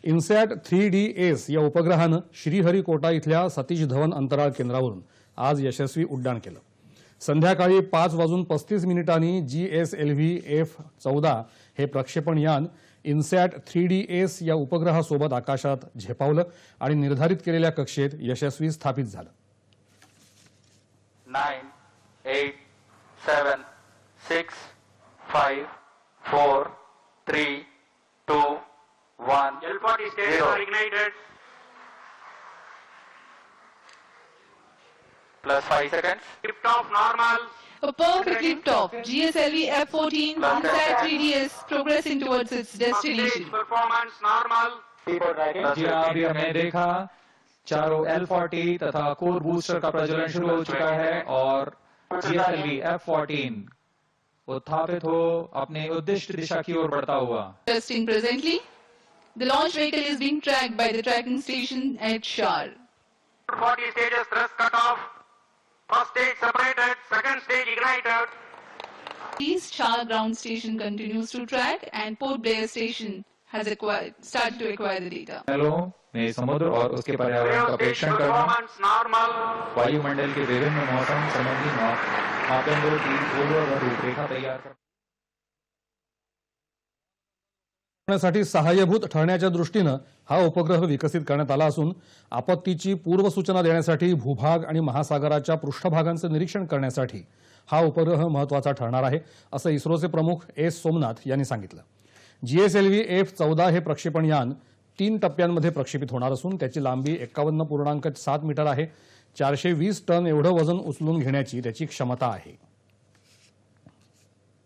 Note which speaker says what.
Speaker 1: INSAT 3DS या उपग्रहानं श्रीहरिकोटा इथल्या सतीश धवन अंतराळ केंद्रावरून आज यशस्वी उड्डाण केलं। संध्याकाळी 5:35 GSLV F-14 हे प्रक्षेपण यान इन्सॅट 3DS या उपग्रहासोबत आकाशात झेपावलं आणि निर्धारित केलेल्या कक्षेत यशस्वी स्थापित झालं।
Speaker 2: 9, 8, 7, 6, 5, 4, 3, 2, 1.
Speaker 3: L40 stages are ignited.
Speaker 2: Plus 5 seconds.
Speaker 3: Liftoff normal.
Speaker 4: A perfect liftoff. GSLV F-14 Insight 3DS progressing towards its
Speaker 3: Stage
Speaker 4: destination.
Speaker 3: performance normal.
Speaker 5: जी अभी हमने देखा चारों L40 तथा कोर बूस्टर का प्रज्वलन शुरू हो चुका है और GSLV F-14 उत्थापित हो अपने उद्दिष्ट दिशा की ओर बढ़ता हुआ।
Speaker 4: Testing presently. The launch vehicle is being tracked by the tracking station at Shar.
Speaker 3: 40 stages thrust cut off. First stage separated. Second stage ignited.
Speaker 4: East Shar ground station continues to track and Port Blair station has started to acquire the data.
Speaker 5: नलों में समुद्र और उसके पर्यावरण का
Speaker 3: Stage
Speaker 5: परीक्षण करना,
Speaker 3: performance normal.
Speaker 5: वायुमंडल के विभिन्न मौसम संबंधी मापदंडों की पूर्व रूपरेखा तैयार करना
Speaker 1: साठी सहाय्यभूत ठरण्याच्या दृष्टीनं हा उपग्रह विकसित करण्यात आला असून आपत्तीची पूर्वसूचना देण्यासाठी भूभाग आणि महासागराच्या पृष्ठभागांचं निरीक्षण करण्यासाठी हा उपग्रह महत्त्वाचा ठरणार आहे असं इस्रोचे प्रमुख एस सोमनाथ यांनी सांगितलं। GSLV F-14 हे प्रक्षेपण यान 3 टप्प्यांमध्ये प्रक्षेपित होणार असून त्याची लांबी 51.7 मीटर आहे। 420 टन एवढं वजन उचलून घेण्याची त्याची क्षमता आहे।